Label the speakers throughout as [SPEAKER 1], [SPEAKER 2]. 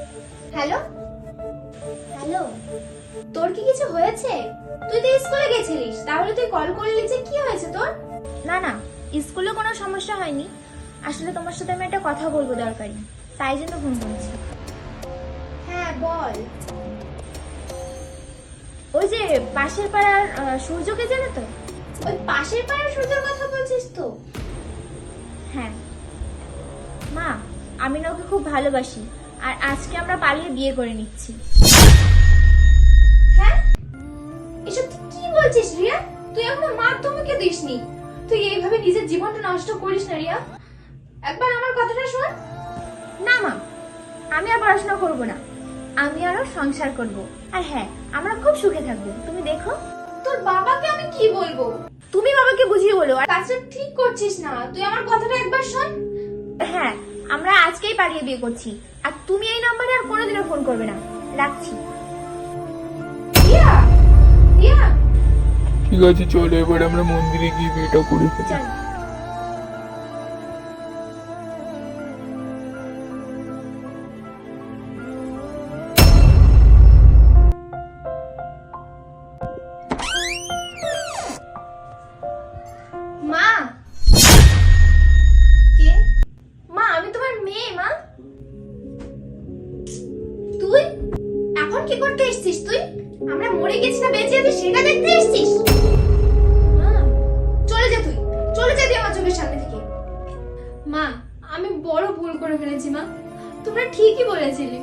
[SPEAKER 1] Hello hello, তোর কি কিছু হয়েছে? তুই তো স্কুলে গেছিলিস, তাহলে তুই কল করলি যে? কি হয়েছে তোর?
[SPEAKER 2] না না, স্কুলে কোনো সমস্যা হয়নি। আসলে তোমার সাথে আমি একটা কথা বলবো দরকারি, তাই জন্য ফোন করেছি।
[SPEAKER 1] হ্যাঁ বল।
[SPEAKER 2] ওই যে পাশের পাড়ার সূর্যকে জানো তো?
[SPEAKER 1] ওই পাশের পাড়ার সূর্যের কথা বলছিস তো?
[SPEAKER 2] হ্যাঁ মা, আমি না ওকে খুব ভালোবাসি, আর আজকে আমরা পালিয়ে বিয়ে করে নিচ্ছি।
[SPEAKER 1] হ্যাঁ, এসব তুই কি বলছিস রিয়া? তুই এখনো মাধ্যমিকে দিসনি, তুই এইভাবে নিজের জীবনটা নষ্ট করিস না রিয়া। একবার আমার কথাটা শোন।
[SPEAKER 2] না মা, আমি আর পড়াশোনা করবো না, আমি আরো সংসার করব। আর হ্যাঁ, আমরা খুব সুখে থাকবো, তুমি দেখো।
[SPEAKER 1] তোর বাবাকে আমি কি বলবো?
[SPEAKER 2] তুমি বাবাকে বুঝিয়ে বলো। আর
[SPEAKER 1] কাজটা ঠিক করছিস না, তুই আমার কথাটা একবার শোন।
[SPEAKER 2] হ্যাঁ, আমরা আজকেই পালিয়ে বিয়ে করছি, আর তুমি এই নম্বরে আর কোনোদিনও ফোন করবে না। রাখছি।
[SPEAKER 1] রিয়া, রিয়া,
[SPEAKER 3] ঠিক আছে, চলো এবার আমরা মন্দিরে গিয়ে বিয়েটা করে ফেলি।
[SPEAKER 2] চল।
[SPEAKER 1] মা। কে? মা, আমি তোমার মেয়ে। মা, তুই এখন কি করতে এসেছিস? তুই আমরা মরে গেছি না বেঁচে আছি সেটা দেখতে এসেছিস? মা, চলে যা, তুই চলে যা তুই আমার চোখের সামনে থেকে। মা, আমি বড় ভুল করে ফেলেছি মা, তোমরা ঠিকই বলেছিলে।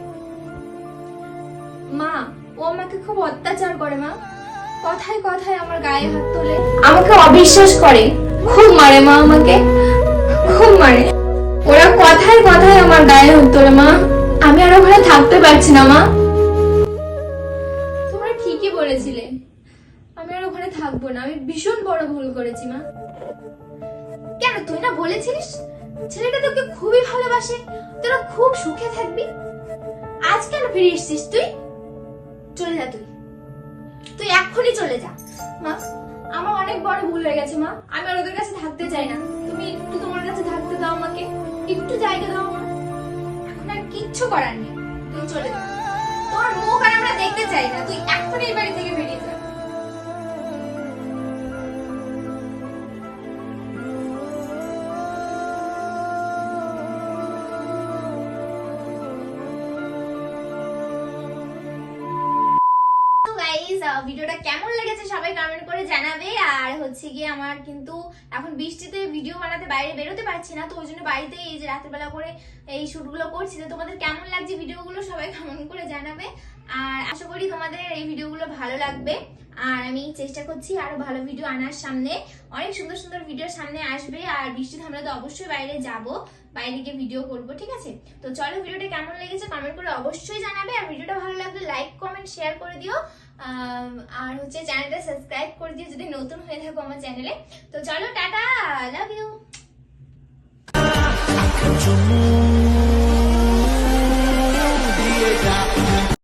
[SPEAKER 1] মা, ও আমাকে খুব অত্যাচার করে মা, কথায় কথায় আমার গায়ে হাত তোলে, আমাকে অবিশ্বাস করে, খুব মারে মা, আমাকে খুব মারে। ওরা কথায় কথায় আমার গায়ে হাত তোলে মা, আমি আর ওখানে থাকতে পারছি না মা। তোমরা ঠিকই বলেছিলে, আমি আর ওখানে থাকবো না, আমি ভীষণ বড় ভুল করেছি মা। কেন, তুই না বলেছিলিস ছেলেটা তোকে খুবই ভালোবাসে, তোরা খুব সুখে থাকবি? আজ কেন ফিরে এসেছিস তুই? চলে যা, তুই তুই এক্ষুনি চলে যা। মা, আমার অনেক বড় ভুল হয়ে গেছে মা, আমি আর ওদের কাছে থাকতে চাই না, তুমি একটু তোমার কাছে থাকতে দাও, আমাকে একটু জায়গা দাও মা। এখন আর কিচ্ছু করার নেই, তুই চলে যা, তোর মুখ আর আমরা দেখতে চাই না, তুই এক্ষুনি এই বাড়ি থেকে বেরিয়ে যা। ভিডিওটা কেমন লেগেছে সবাই কমেন্ট করে জানাবে। আর হচ্ছে গিয়ে আমার কিন্তু এখন বৃষ্টিতে ভিডিও বানাতে বাইরে বেরোতে পারছি না, তো ওই জন্য বাড়িতে এই যে রাতের বেলা করে এই শুটগুলো করছি। তো তোমাদের কেমন লাগছে ভিডিওগুলো সবাই কমেন্ট করে জানাবে, আর আশা করি তোমাদের এই ভিডিওগুলো ভালো লাগবে। আর আমি চেষ্টা করছি আরো ভালো ভিডিও আনার, সামনে অনেক সুন্দর সুন্দর ভিডিও সামনে আসবে। আর বৃষ্টি থামলে তো অবশ্যই বাইরে যাব, বাইরে গিয়ে ভিডিও করব, ঠিক আছে? তো চলো, ভিডিওটা কেমন লেগেছে কমেন্ট করে অবশ্যই জানাবে, আর ভিডিওটা ভালো লাগলে লাইক কমেন্ট শেয়ার করে দিও, আর হচ্ছে চ্যানেলটা সাবস্ক্রাইব করে দিও যদি নতুন হয়ে থাকো আমার চ্যানেলে। তো চলো, টাটা, লাভ ইউ।